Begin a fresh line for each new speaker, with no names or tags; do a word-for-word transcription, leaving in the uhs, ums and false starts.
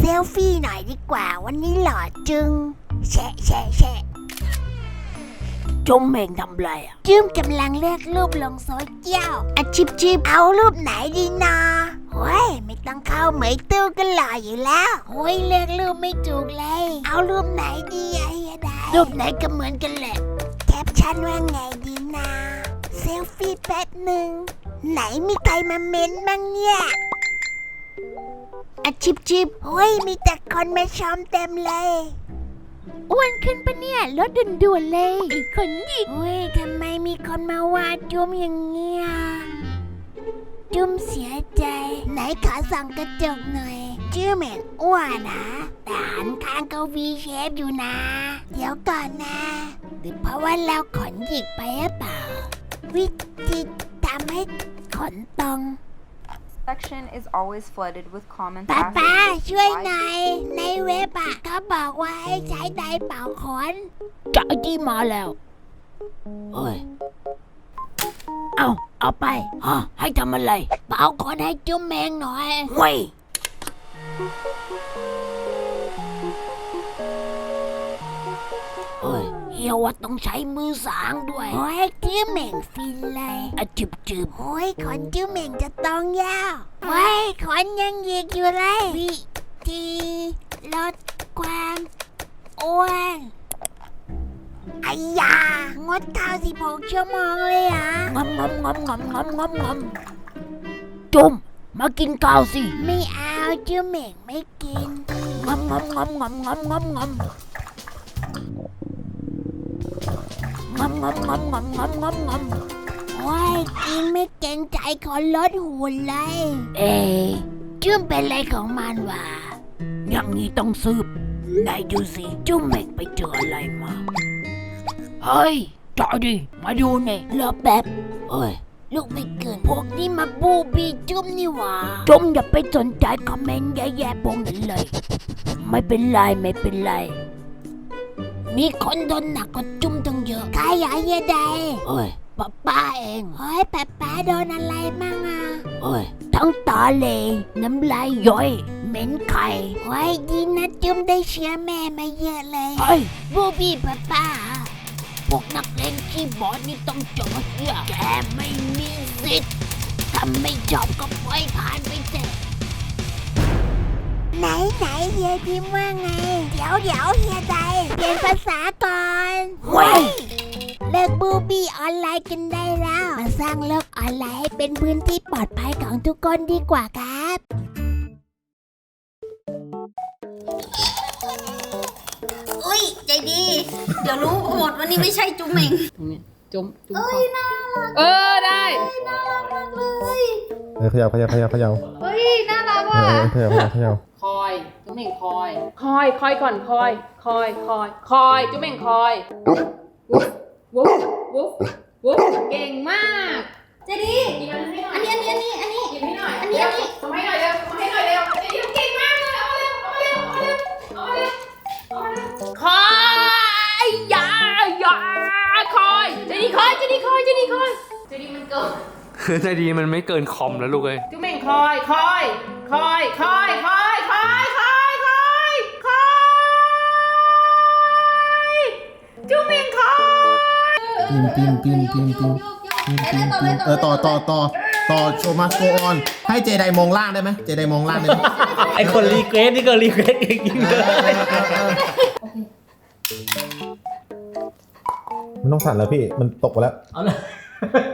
เซลฟี่หน่อยดีกว่าวันนี้หล่อจึงแชะแชะแชะ
จุ้มเม่งทำไรอ่ะ
จื้มกำลังเลือกรูปลงโซเชียลอ่ะจิบจิบเอารูปไหนดีนะโอ้ยไม่ต้องเข้าเหมยตู้ก็หล่ออยู่แล้วโอ้ยเลือกรูปไม่ถูกเลยเอารูปไหนดีไอ้ดารูปไหนก็เหมือนกันแหละแคปชั่นว่าไงดีนะเซลฟี่แป๊บหนึ่งไหนมีใครมาเม้นบ้างเนี่ยอะจิบจิบโอ้ยมีแต่คนมาชมเต็มเลยอ้วนขึ้นปะเนี่ยลดด่วนๆเลยไอ้คนหยิกโอ้ยทำไมมีคนมาว่าจุ้มอย่างเงี้ยจุ้มเสียใจไหนขอส่องกระจกหน่อยชื่อเหม็นอ้วนนะแต่หันข้างก็วีเชฟอยู่นะเดี๋ยวก่อนนะหรือเพราะว่าเราขนหยิกไปหรือเปล่าวิธีทำให้ขนตรง
Section is always flooded with comments
ป้า
asking
ป้า
why
ช่วยหน่อยในเว็บอะเขาบอกว่าให้ใช้ไดร์เป่าขน
จะที่มาแล้วเฮ้ยเอาเอาไปฮะให้ทำอะไร
เป่าขนให้จุ้มแมงหน่อย
เว้ยเฮ้ยเฮียว่าต้องใช้มือสางด้วย
โอ้ยจิ้มเหม่งฟินเลย
อะจิบจิบ
โอ้ยขนจิ้มเหม่งจะต้องยาวโอ้ยขนยังหยิกอยู่เลยวิธีลดความอ้วนไอ้ยางดข้าวสิบหกชั่วโมงเลยอ่ะ
งอมงอมงอมงอมงอมงอมงอมจุ้มมากินข้าวสิ
ไม่เอาจิ้มเหม่งไม่กิน
งอมงอมงอมงอมงอมงอมงอมงอมงอมงอมงอมงอมงอมงอม
โอ้ยกินไม่เกรงใจคนลดหุ่นเลย
เอ๊ะ
จิ้มเป็นอะไรของมันวะ
อย่างนี้ต้องสืบไหนดูสิจุ้มเม่งไปเจออะไรมา เฮ้ยจอดิมาดูนี่
รอแป๊บ
เอ้ย
ลูกไม่เกินพวกนี้มาบูบีจุ้มนี่หว่า
จุ้มอย่าไปสนใจคอมเมนต์แย่ๆพวกนั้นเลย ไม่เป็นไรไม่เป็นไร
มีคนโดนหนักกว่าจุ้มตั้งเยอะใครอยากเยอะใด
เอ้ยป้าป้าเอง
เฮ้ยป๊าป๊าโดนอะไรมั่งอ่ะ
เอ้ยทั้งตาเหลน้ำลายย้อยเหม็นไข่
เฮ้ยดีนะจุ้มได้เชื้อแม่มาเยอะเลย
เฮ้ย
บูบี้ป๊าป๊า
พวกนักเลงขี้บอลนี่ต้องจบเหี้ยแกไม่มีสิทธิ์ถ้าไม่ชอบก็ปล่อยผ่านไปเถอะ
ไหนไหนเฮียพิมพ์ว่าไง เดี๋ยวเดี๋ยวเฮียใดเปลี่ยนภาษาก่อน
เว้ย
เลิกบูบี้ออนไลน์กันได้แล้วมาสร้างโลกออนไลน์ให้เป็นพื้นที่ปลอดภัยของทุกคนดีกว่าครับ
อุ้ยใจดี เดี๋ยวรู้หมดว่านี่ไม่ใช่จุ๊มเหม่ง
จุ้มจุ้ม
เอ้ยน่ารัก
เออได้
น่ารักมากเลย
เออเขย่าเขย่าเขย่าเขย่า
เฮ้ยน่ารัก
เอ
ว่ะ
อเออเขย่าเขย่าเขย่า
คอยจุ้มเหม่งคอย คอยคอยก่อนคอย คอยคอยคอยจุ้มเหม่งคอยวุ๊บวุ๊บวุ๊บวุ๊บเก่งมาก
ใจดีอันนี้อันนี้อันนี้อันนี้
หยิบให้หน่อย
อันนี้อันนี้
ทำให้หน่อยเร็วทำให้หน่อยเร็วเดี๋ยวเก่งมากเลยเอามาเร็วเอามาเร็วเอามาเร็วเอามาเร็วคอยอย่าอย่าคอยจะดีคอยจะดีคอยจะดีคอยจะดีมันเกิน
ใจดีมันไม่เกินคอมแล้วลูกเอ้ย
จุ๊มเหม่งคอยคอยคอยคอยคอยคอยคอยคอยคอยจุ๊มเหม่งคอย
ปีนปีนปีนปีนปีนปีนปีนปีนเออต่อต่อต่อต่อโชว์มาโกออนให้เจไดมองล่างได้ไหมเจไดมองล่างได้ไหม
ไอคนรีเควสนี่ก็รีเควสเองจริงเลย
มันต้องสั่นแล้วพี่มันตกไปแล้ว
เอาเลย